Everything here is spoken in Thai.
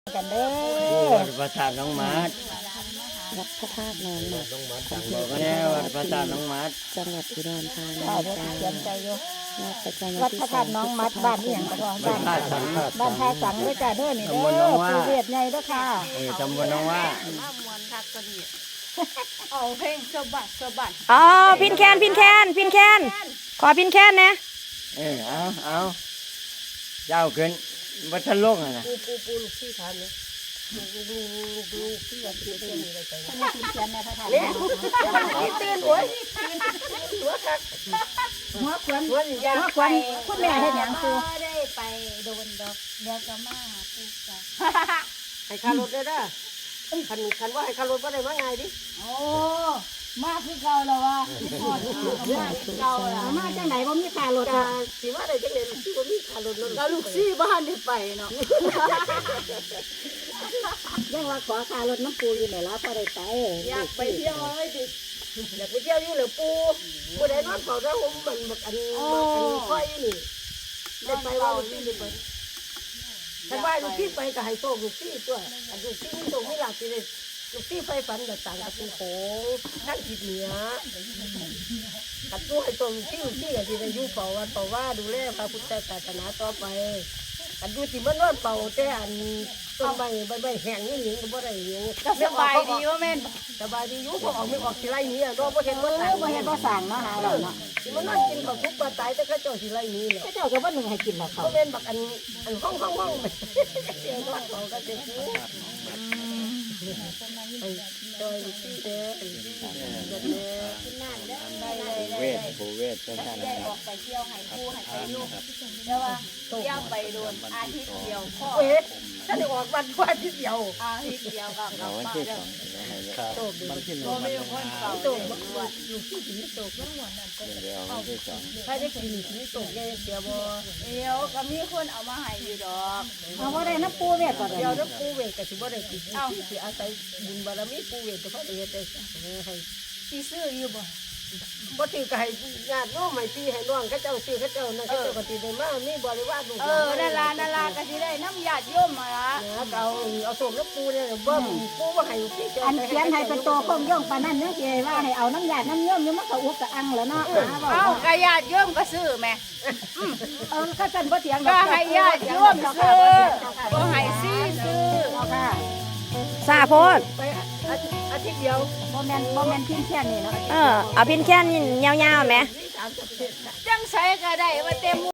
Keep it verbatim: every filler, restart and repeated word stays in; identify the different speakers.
Speaker 1: กันเด้อ
Speaker 2: วัดพระธาตุน้องมัด
Speaker 3: วัดพระธาตุน้องมัด
Speaker 2: บอกก็ได้วัดพระธาตุน้องมัด
Speaker 3: จังหวัดอุดรธานี
Speaker 1: จ้าเดี๋ยวเขียนใจอยู่
Speaker 3: วัดประจำ
Speaker 1: วัดพระธาตุน้องมัดบ้านนี่อย่างก็บ้านท่าสังบ้านท่าสังด้วยจ้าเด้อนี่เด้อปูเวียดใหญ่เด้อค่ะ
Speaker 2: เออตำบลน้องว่า
Speaker 4: เอาเพลงสะบัดสะบัด
Speaker 3: อ๋อพินแคนพินแคนพินแคนขอพินแคนนะ
Speaker 2: เออเอาเอาเจ้าขึ้นวัดทะลุอ่ะนะ
Speaker 4: ปูปูปูลูกที่ทานเนี่ยลูกลูกลูกลูกที่วันที่เป็นอะไรไป
Speaker 1: ท่านพินแคนในพระธาตุ
Speaker 4: ที่ตื่นหัวหัวคัก
Speaker 1: หัวขวัญหัวขวัญคุณแม่เฮ็ดหยังปู
Speaker 4: ได้ไปโดนดอกเดี๋ยวจะมาปูจ้ะให้คารถได้ด้คันคันว่าให้คารถว่าได้มาไงดิ
Speaker 1: โอ้มาคือเก่าแล้ววะมาคือเก่าแล้วมาจังไหนบ่มีค่ารถ
Speaker 4: สิว่าได้จังได๋สิบ่มีคารถนั่นก็ลูกซี่บ้านได้ไปเนาะ
Speaker 1: ยังว่าขอค่ารถน้ำปูอยู่ไหนล่ะพอได้ไป
Speaker 4: อยากไปเที่ยวเลยดิอยากไปเที่ยวอยู่เหลือปูบ่ได้นอนเฝ้าได้ผมมันบักอันอันค่อยนี่ได้ไปว่าลูกซี่ได้ไปถ้าว่าลูกซี่ไปก็ให้โชคลูกซี่ตัวอันลูกซี่มีโชคมีลาภสิได้ลูกซี่ไฟฝันกับต่างกับผู้โขงทั้งทิศเหนือกัดตู้ให้ตัวลูกซี่ลูกซี่ก็สิได้อยู่เฝ้าวัดเฝ้าว่าดูแลพระพุทธศาสนาต่อไปกันดูสิมันนอนเป่าแต่อันต้นใบใบใบแห้งนี่หญิงก็บ่ได้หญิง
Speaker 1: ก็สบายดีว่าแม่น
Speaker 4: สบายดีอยู่พอออกไม่ออกสิไล่นี้อ่ะเนาะบ่เห็นบ่ตาย
Speaker 1: บ่เห็นบ่สั่งเนาะหาเราเนาะ
Speaker 4: สิมันนอนกินข้าวทุกปลาตายแต่เขาเจ้าสิไล่นี้แหละ
Speaker 1: เขาเจ้าก็บ่นึงให้กินหรอกเขา
Speaker 4: บ่แม่นบักอันอันห้องห้องห้องเสียงนอนเขาก็จะซื้อไอ้จอยที่เด้อไอ้ที่เด้อ
Speaker 2: เวทผู้เวทพระธาตุน้องมัด
Speaker 4: ไปเที่ยวให้ผู้ให้ไปลูกแต่ว่าเที่ยวไปโดนอาทิตย์เดียวพ่อเอ๊ะถ้าได้ออกวันกว่าอาทิตย์เดียวอาทิตย์เดียวก็กลับมาเด้อ
Speaker 2: ครับมันขึ้นมา
Speaker 4: ไม่คนเก่าตกอยู่ที่สิตกทั้งหมดนั่นก็
Speaker 2: เดี๋ยววันที่สอง
Speaker 4: ถ้าได้กินสิตกแกเสียบ่เดี๋ยวก็มีคนเอามาให้อยู่ดอก
Speaker 1: เอาบ่ได้น้ำปูเวียดก็ได้
Speaker 4: เดี๋ยวน้ำปูเวทก็สิบ่ได้กินเอาสิอาศัยบุญบารมีปูเวทก็พอได้เฮ็ดได้ให้สิซื้ออยู่บ่บ่ถือก็ให้ญาติโยมให้พี่ให้น้องเขาเจ้าซื้อเขาเจ้านั่นเขาเจ้าก็สิได้มามีบริวารลูก
Speaker 1: เออนั่นล่ะนั่นล่ะก็สิได้น้ำญาติโยมมาล่ะ
Speaker 4: เอาเอาส่งน้ำปูเนี่ยเบิ่มปูว่าให้พี่
Speaker 1: อันเขียนให้เป็นโตคงย่องปานนั้นยังสิว่าให้เอาน้ำญาติน้ำโยมอยู่มันก็อุกกะอังแล้วเนาะ
Speaker 3: เอากะญาติโยมก็ซื้อแม่
Speaker 1: เออก็ซั่นบ่เถียง
Speaker 3: ดอกก็ให้ญาติโยมซื้อบ่ให้ซีซื้อ
Speaker 1: ค่ะ
Speaker 3: ซาโพด
Speaker 4: ไปอาทิตย์เดียว
Speaker 1: บ่แม่นบ่แม่นพินแค่นี้เนาะ
Speaker 3: เออเอาพินแคนยาวๆแม่
Speaker 4: สามสิบ
Speaker 3: จังไสก็ได้ว่าเต็ม